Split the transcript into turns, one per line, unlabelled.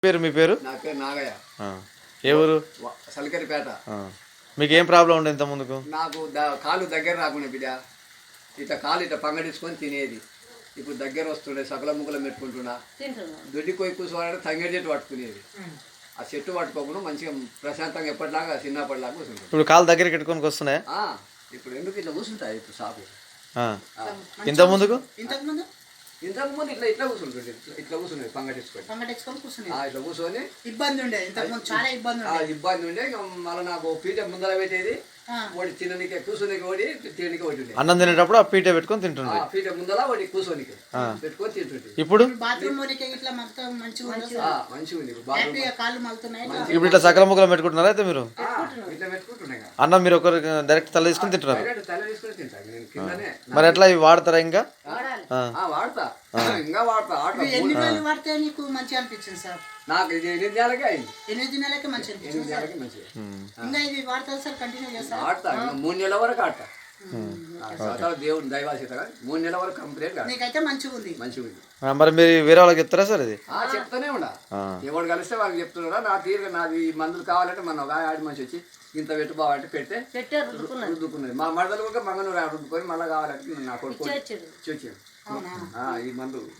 పేరు మీ పేరు?
నా పేరు నాగయ్య.
ఏ ఊరు?
సలికరిపేట.
మీకు ఏం ప్రాబ్లం ఉండే ఇంత ముందుకు?
నాకు కాలు దగ్గర రాకుండా బిడ్డ, ఇట్లా కాలు ఇట్లా పంగడించుకొని తినేది. ఇప్పుడు దగ్గర వస్తుండే సకల ముక్కలు పెట్టుకుంటున్నా. దొడ్డి పోయి కూర్చోవాలంటే తంగేడి చెట్టు పట్టుకునేది. ఆ చెట్టు పట్టుకోకుండా మంచిగా ప్రశాంతంగా ఎప్పటిలాగా చిన్నప్పటిలాగా కూర్చుంటుంది.
ఇప్పుడు కాలు దగ్గరికి పెట్టుకొని వస్తున్నాయి.
ఇప్పుడు ఎందుకు ఇట్లా కూర్చుంటాయి ఇప్పుడు సాపు.
ఇంత ముందుకు
ఇంతకు ముందు ఇట్లా ఇట్లా కూర్చుంటుండే, ఇట్లా కూర్చునేది పంగటించుకొని ఇట్లా కూర్చొని
ఇబ్బంది ఉండే. చాలా
ఇబ్బంది ఉండే. మళ్ళీ నాకు పీట ముందర పెట్టేది, ఓడి తినడానికి కూర్చోనికి ఓడి తినడానికి ఒకటి ఉండే.
అన్నం తినేటప్పుడు ఆ పీట పెట్టుకొని తింటుండే.
పీట ముందర ఓడి కూర్చోనికి పెట్టుకొని తింటుండే.
ఇప్పుడు
బాత్రూమ్ ఇట్లా మంచిగా
ఉంది.
ఇప్పుడు ఇట్లా సకల ముక్కలు పెట్టుకుంటున్నారా అయితే మీరు?
ఇట్లా పెట్టుకుంటున్నాయి.
అన్నం మీరు ఒకరు డైరెక్ట్ తల తీసుకుని తింటున్నారు.
తల తీసుకుని తింటాను నేను కిందనే.
మరి ఎట్లా ఇవి వాడతారా ఇంకా?
వాడతా, ఇంకా వాడతా.
ఎన్ని రోజులు వాడితే నీకు మంచిగా అనిపించింది సార్?
నాకు ఇది 8 నెలలకే అయింది.
8 నెలలకే మంచిగా అనిపించింది.
8 నెలలకే మంచిగా.
ఇంకా ఇది వాడతారు సార్? కంటిన్యూ చేస్తారు?
ఆడతా 3 నెలల వరకు ఆడతా. దేవుడు దైవాసీత 3 నెలల వరకు కంప్లీట్
నీకైతే మంచిగా ఉంది.
మరి మీరు వేరే వాళ్ళకి చెప్తారా సార్ ఇది?
చెప్తానే ఉండా. ఎవరు కలిస్తే వాళ్ళకి చెప్తున్నారా. నా తీరుగా నాది మందులు కావాలంటే మన ఒక ఆడి మనిషి వచ్చి ఇంత పెట్టు బావంటే పెడితే రుద్దుకున్నది. మా మడదలు కూడా మంగళూరు రుద్దుకొని మళ్ళీ కావాలంటే నా కొడుకు వచ్చాడు ఈ మందు.